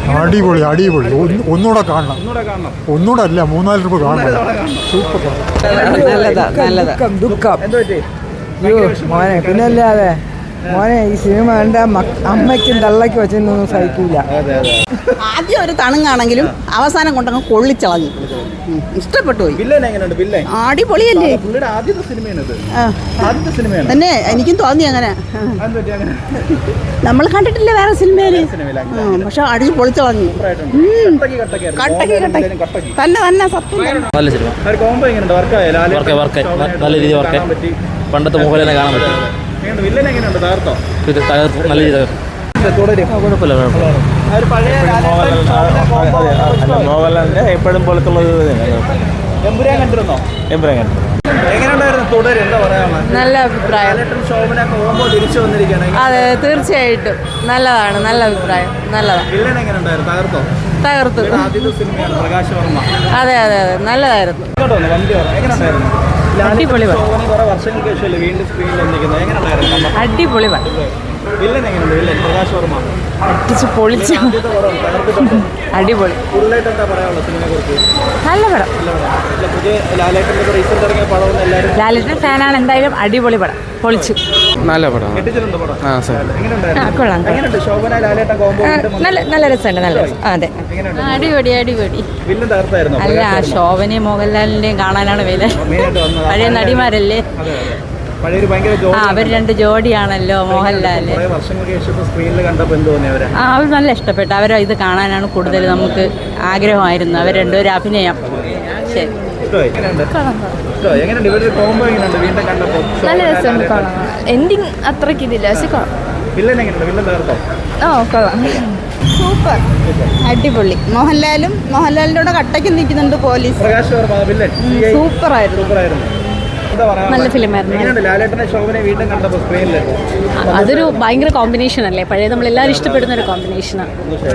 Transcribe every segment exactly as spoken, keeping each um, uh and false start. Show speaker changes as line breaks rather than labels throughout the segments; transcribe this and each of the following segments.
അടിപൊളി അടിപൊളി ഒന്നുകൂടെ കാണണം. ഒന്നുകൂടെ അല്ല മൂന്നാല് രൂപ കാണണം. സൂപ്പർ.
നല്ലതാ നല്ലതാ. ദുഃഖം മോനെ പിന്നല്ലാതെ മോനെ ഈ സിനിമ കണ്ട അമ്മയ്ക്കും തള്ളയ്ക്കും വെച്ചൊന്നും സഹിക്കൂല.
ആദ്യം ഒരു തണുങ്ങാണെങ്കിലും അവസാനം കൊണ്ടങ്ങ് കൊള്ളിച്ചളഞ്ഞു. ഇഷ്ടപ്പെട്ടു പോയി. അടിപൊളിയല്ലേ തന്നെ. എനിക്കും തോന്നി അങ്ങനെ. നമ്മൾ കണ്ടിട്ടില്ല വേറെ സിനിമയില്, പക്ഷെ അടിച്ച് പൊളിച്ചളഞ്ഞു. കട്ടക്കി കട്ടക്കി തന്നെ തന്നെ സത്യം.
നല്ല സിനിമ, നല്ല രീതിയിൽ വർക്ക്. പണ്ടത്തെ മോഹൻലാലിനെ കാണാൻ പറ്റും. നല്ല രീതിയിൽ മോഹൻലാലിന്റെ എപ്പോഴും പോലത്തെ
നല്ല അഭിപ്രായം. അതെ തീർച്ചയായിട്ടും നല്ലതാണ്. നല്ല അഭിപ്രായം. നല്ലതാണ്. തകർത്തു. അതെ അതെ അതെ നല്ലതായിരുന്നു. അടിപൊളി അടിപൊളി അടിച്ച് പൊളിച്ചു. അടിപൊളി നല്ല പടം. ലാലേട്ടൻ ഫാനാണ് എന്തായാലും. അടിപൊളി പടം, പൊളിച്ചു.
നല്ല പടം.
കൊള്ളാം. നല്ല നല്ല രസമുണ്ട്. നല്ല രസം. അതെ അടിപൊളി അടിപൊളി. അല്ല ശോഭനയും മോഹൻലാലിന്റെയും കാണാനാണ് വില. പഴയ നടിമാരല്ലേ. ആ അവർ രണ്ട് ജോഡിയാണല്ലോ മോഹൻലാല്. ആ അവർ നല്ല ഇഷ്ടപ്പെട്ടു. അവരെ ഇത് കാണാനാണ് കൂടുതൽ നമുക്ക് ആഗ്രഹമായിരുന്നു. അവർ രണ്ടുപേരും അഭിനയം. ശരി
നല്ല രസമുണ്ട്. കൊള്ളാം. എൻഡിങ് അത്രയ്ക്ക് ഇതില്ല, പക്ഷെ ഓ കൊള്ളാം.
സൂപ്പർ അടിപൊളി. മോഹൻലാലും മോഹൻലാലിന്റെ കൂടെ കട്ടയ്ക്ക് നിൽക്കുന്നുണ്ട് പോലീസ്. സൂപ്പറായിരുന്നു.
നല്ല ഫിലിമായിരുന്നു. അതൊരു ഭയങ്കര കോമ്പിനേഷൻ അല്ലേ. പഴയ നമ്മളെല്ലാവരും ഇഷ്ടപ്പെടുന്ന ഒരു കോമ്പിനേഷനാണ്.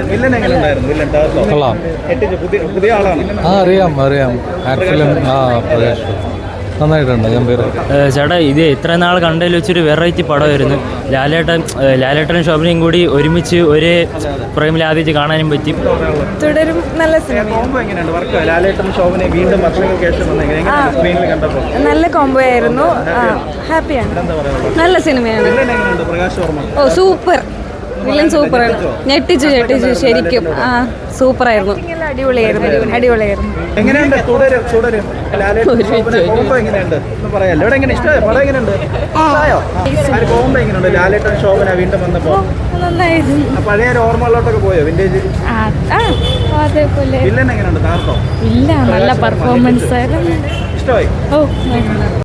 അറിയാം അറിയാം നന്നായിട്ടുണ്ട്.
ചേട്ടാ ഇത് ഇത്ര നാൾ കണ്ടതിൽ വെച്ചൊരു വെറൈറ്റി പടമായിരുന്നു. ലാലേട്ടൻ ലാലേട്ടനും ശോഭനയും കൂടി ഒരുമിച്ച് ഒരേ ഫ്രെയിമിൽ ആദ്യമായിട്ട് കാണാനും പറ്റി.
തുടരും നല്ല സിനിമ. നല്ല കോംബോ ആയിരുന്നു. ഹാപ്പിയാണ്. നല്ല സിനിമയാണ്. ഓ സൂപ്പർ. വില്ലൻ സൂപ്പറാണ്. ഞെട്ടിച്ചു ഞെട്ടിച്ചു ശരിക്കും. ആ സൂപ്പറായിരുന്നു. അടിപൊളിയായിരുന്നു. അടിപൊളിയായിരുന്നു. ഇല്ല നല്ല പെർഫോമൻസ് ആയിരുന്നു. ഓ